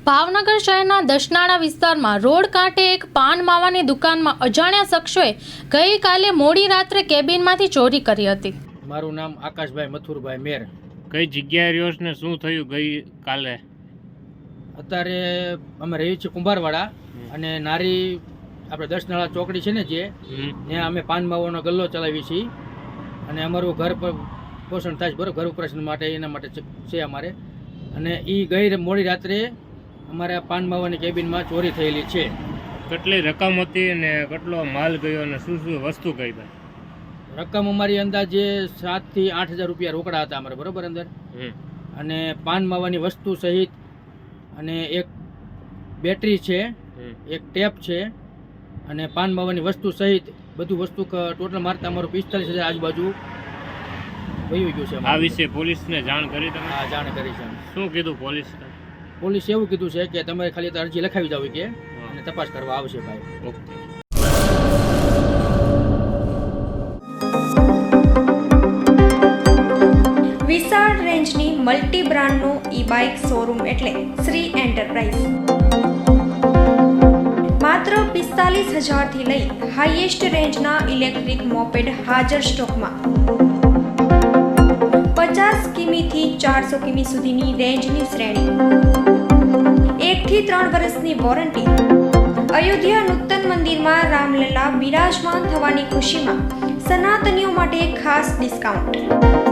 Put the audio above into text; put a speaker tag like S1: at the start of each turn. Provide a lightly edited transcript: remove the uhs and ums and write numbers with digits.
S1: ભાવનગર શહેરના દસનાળા વિસ્તારમાં રોડ કાંઠે એક પાન માવાની દુકાનમાં અજાણ્યા શખ્સોએ ગઈકાલે મોડી રાત્રે કેબિનમાંથી ચોરી કરી હતી।
S2: મારું નામ આકાશભાઈ મથુરભાઈ મેર।
S3: કઈ જગ્યાએ રહ્યો છો ને શું થયું ગઈ કાલે?
S2: અત્યારે અમે રહીએ છીએ કુંભારવાડા અને નારી આપણે દસનાળા ચોકડી છે ને જે ત્યાં અમે પાન માવાનો ગલ્લો ચલાવીએ છીએ અને અમારું ઘર પોષણ થાય છે બરાબર, ઘર ઉપરાશન માટે એના માટે છે અમારે। અને એ ગઈ મોડી રાત્રે અમારે પાન માવાની કેબિનમાં ચોરી થયેલી છે।
S3: કેટલી રકમ હતી અને કેટલો માલ ગયો અને શું શું વસ્તુ ગઈ?
S2: રકમ અમારી અંદાજે 7 થી 8,000 રૂપિયા રોકડા હતા અમારે બરાબર અંદર, અને પાન માવાની વસ્તુ સહિત અને એક બેટરી છે, એક ટેપ છે અને પાન માવાની વસ્તુ સહિત બધું વસ્તુ ટોટલ મારતા અમારું 45,000 આજુબાજુ વયું ગયું છે।
S3: આ વિશે પોલીસને જાણ કરી તમે?
S2: હા, જાણ કરી છે।
S3: શું કીધું પોલીસ?
S2: પોલીસ એવું કીધું છે કે તમે ખાલી અરજી લખાવી જાવ કે અને તપાસ કરવા આવશે ભાઈ।
S3: ઓકે।
S4: વિશાળ રેન્જની મલ્ટી બ્રાન્ડનું ઈ-બાઇક શોરૂમ એટલે શ્રી એન્ટરપ્રાઇઝ। માત્ર 45,000 થી લઈ હાઈએસ્ટ રેન્જના ઇલેક્ટ્રિક મોપેડ હાજર સ્ટોકમાં। 50 કિમીથી 400 કિમી સુધીની રેન્જની શ્રેણી, 1 થી 3 વર્ષની વોરંટી। અયોધ્યા નૂતન મંદિરમાં રામલલ્લા બિરાજમાન થવાની ખુશીમાં સનાતનીઓ માટે ખાસ ડિસ્કાઉન્ટ।